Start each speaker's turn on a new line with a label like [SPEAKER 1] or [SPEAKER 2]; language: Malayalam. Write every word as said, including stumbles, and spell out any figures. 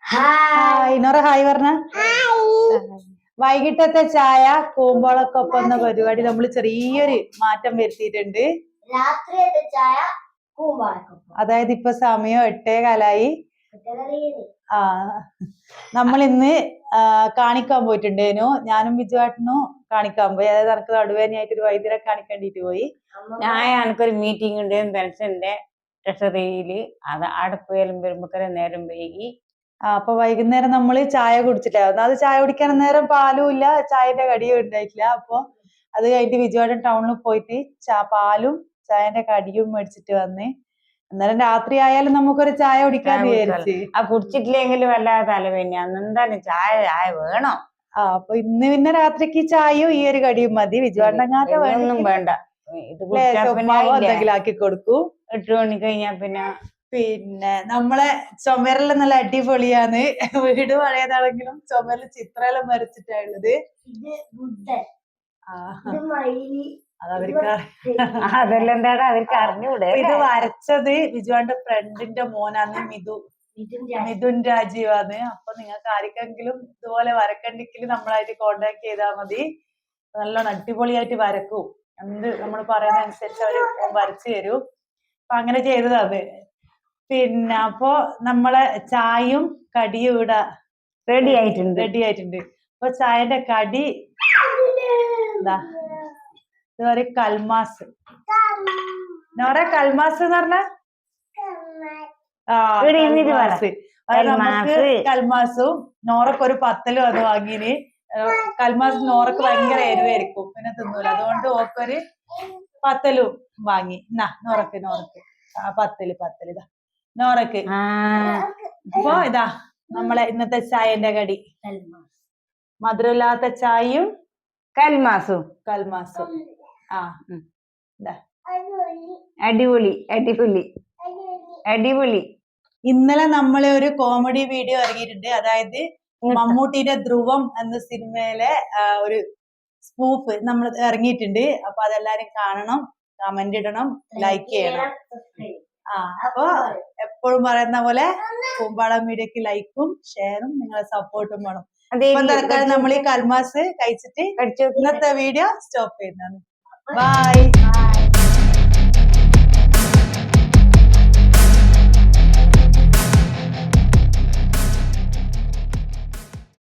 [SPEAKER 1] ഹായ് നോറ ഹായ് പറഞ്ഞ. വൈകിട്ടത്തെ ചായ കൂമ്പോളക്കൊപ്പം എന്ന പരിപാടി നമ്മൾ ചെറിയൊരു മാറ്റം വരുത്തിയിട്ടുണ്ട്.
[SPEAKER 2] രാത്രിയത്തെ ചായ കൂമ്പോളക്കൊപ്പം.
[SPEAKER 1] അതായത് ഇപ്പൊ സമയം എട്ടേ കാലായി. ആ നമ്മൾ ഇന്ന് കാണിക്കാൻ പോയിട്ടുണ്ടേനു. ഞാനും ബിജുവാട്ടനും കാണിക്കാൻ പോയി. അതായത് എനിക്ക് നടുവേദനയായിട്ട് ഒരു വൈദ്യരെ കാണിക്കേണ്ടിട്ട് പോയി.
[SPEAKER 3] ഞാൻ എനിക്കൊരു മീറ്റിംഗ് ഉണ്ട് പെൻഷന്റെ ട്രഷറിയില്. അത് അടുപ്പ് വരുമ്പോ നേരം വൈകി.
[SPEAKER 1] ആ അപ്പൊ വൈകുന്നേരം നമ്മള് ചായ കുടിച്ചിട്ടായിരുന്നു. അത് ചായ കുടിക്കാൻ നേരം പാലും ഇല്ല, ചായന്റെ കടിയും ഉണ്ടായിട്ടില്ല. അപ്പൊ അത് കഴിഞ്ഞിട്ട് ബിജുവാട്ടൻ ടൗണിൽ പോയിട്ട് ചാ പാലും ചായന്റെ കടിയും മേടിച്ചിട്ട് വന്ന്. അന്നേരം രാത്രി ആയാലും നമുക്കൊരു ചായ കുടിക്കാൻ വിചാരിച്ച്.
[SPEAKER 3] ആ കുടിച്ചിട്ടില്ലെങ്കിലും വല്ലാതെ തലവേദന. എന്തായാലും ചായ ചായ വേണം.
[SPEAKER 1] ആ അപ്പൊ ഇന്ന് പിന്നെ രാത്രിക്ക് ചായയും ഈ ഒരു കടിയും മതി.
[SPEAKER 3] വിജുവാട്ടനൊന്നും വേണ്ട.
[SPEAKER 1] എന്തെങ്കിലും ആക്കി കൊടുക്കൂ.
[SPEAKER 3] എട്ട് മണി കഴിഞ്ഞാ പിന്നെ
[SPEAKER 1] പിന്നെ നമ്മളെ ചുമരെല്ലാം നല്ല അടിപൊളിയാണ്. വീട് പഴയതാണെങ്കിലും ചുമരിൽ ചിത്രമെല്ലാം വരച്ചിട്ടാണുള്ളത്. അതവർക്ക്
[SPEAKER 3] അതെല്ലാം എന്താണ് അവർക്ക് അറിഞ്ഞൂടെ.
[SPEAKER 1] ഇത് വരച്ചത് ബിജുവാന്റെ ഫ്രണ്ടിന്റെ മോനാണ്, മിഥു മിഥുൻ രാജീവാണ്. അപ്പൊ നിങ്ങൾക്ക് ആർക്കെങ്കിലും ഇതുപോലെ വരക്കണ്ടെങ്കിൽ നമ്മളായിട്ട് കോണ്ടാക്ട് ചെയ്താൽ മതി. നല്ലോണം അടിപൊളിയായിട്ട് വരക്കൂ. എന്ത് നമ്മൾ പറയുന്ന അനുസരിച്ച് അവര് വരച്ചു തരും. അപ്പൊ അങ്ങനെ ചെയ്തതാണ്. പിന്നെ അപ്പൊ നമ്മളെ ചായയും കടിയും ഇവിടെ
[SPEAKER 3] റെഡി ആയിട്ടുണ്ട്
[SPEAKER 1] റെഡി ആയിട്ടുണ്ട് അപ്പൊ ചായന്റെ കടി എന്താ ഇതുവരെ കൽമാസ്. നോറ കൽമാസ് എന്ന് പറഞ്ഞ ആ കൽമാസ്. നമുക്ക് കൽമാസും നോറക്ക് ഒരു പത്തലും അത് വാങ്ങിന്. കൽമാസ് നോറക്ക് ഭയങ്കര എരിവായിരിക്കും, പിന്നെ തിന്നൂല. അതുകൊണ്ട് ഓക്കൊരു പത്തലും വാങ്ങി. എന്നാ നോറക്ക് നോറക്ക് ആ പത്തല് പത്തല് ഇതാ നോറക്ക്. അപ്പൊ ഇതാ നമ്മളെ ഇന്നത്തെ ചായന്റെ കടി മധുരമില്ലാത്ത ചായയും
[SPEAKER 3] കൽമാസും
[SPEAKER 1] കൽമാസും. ആ
[SPEAKER 3] അടിപൊളി അടിപൊളി അടിപൊളി.
[SPEAKER 1] ഇന്നലെ നമ്മളെ ഒരു കോമഡി വീഡിയോ ഇറങ്ങിയിട്ടുണ്ട്. അതായത് മമ്മൂട്ടിയുടെ ധ്രുവം എന്ന സിനിമയിലെ ഒരു സ്പൂഫ് നമ്മൾ ഇറങ്ങിയിട്ടുണ്ട്. അപ്പൊ അതെല്ലാരും കാണണം, കമന്റ് ഇടണം, ലൈക്ക് ചെയ്യണം. ആ അപ്പൊ എപ്പോഴും പറയുന്ന പോലെ കൂമ്പാളം മീഡിയക്ക് ലൈക്കും ഷെയറും നിങ്ങളെ സപ്പോർട്ടും വേണം. ഇപ്പൊ തൽക്കാലം നമ്മൾ ഈ കൽമാസ് കഴിച്ചിട്ട് ഇന്നത്തെ വീഡിയോ സ്റ്റോപ്പ് ചെയ്യുന്നതാണ്. ബൈ.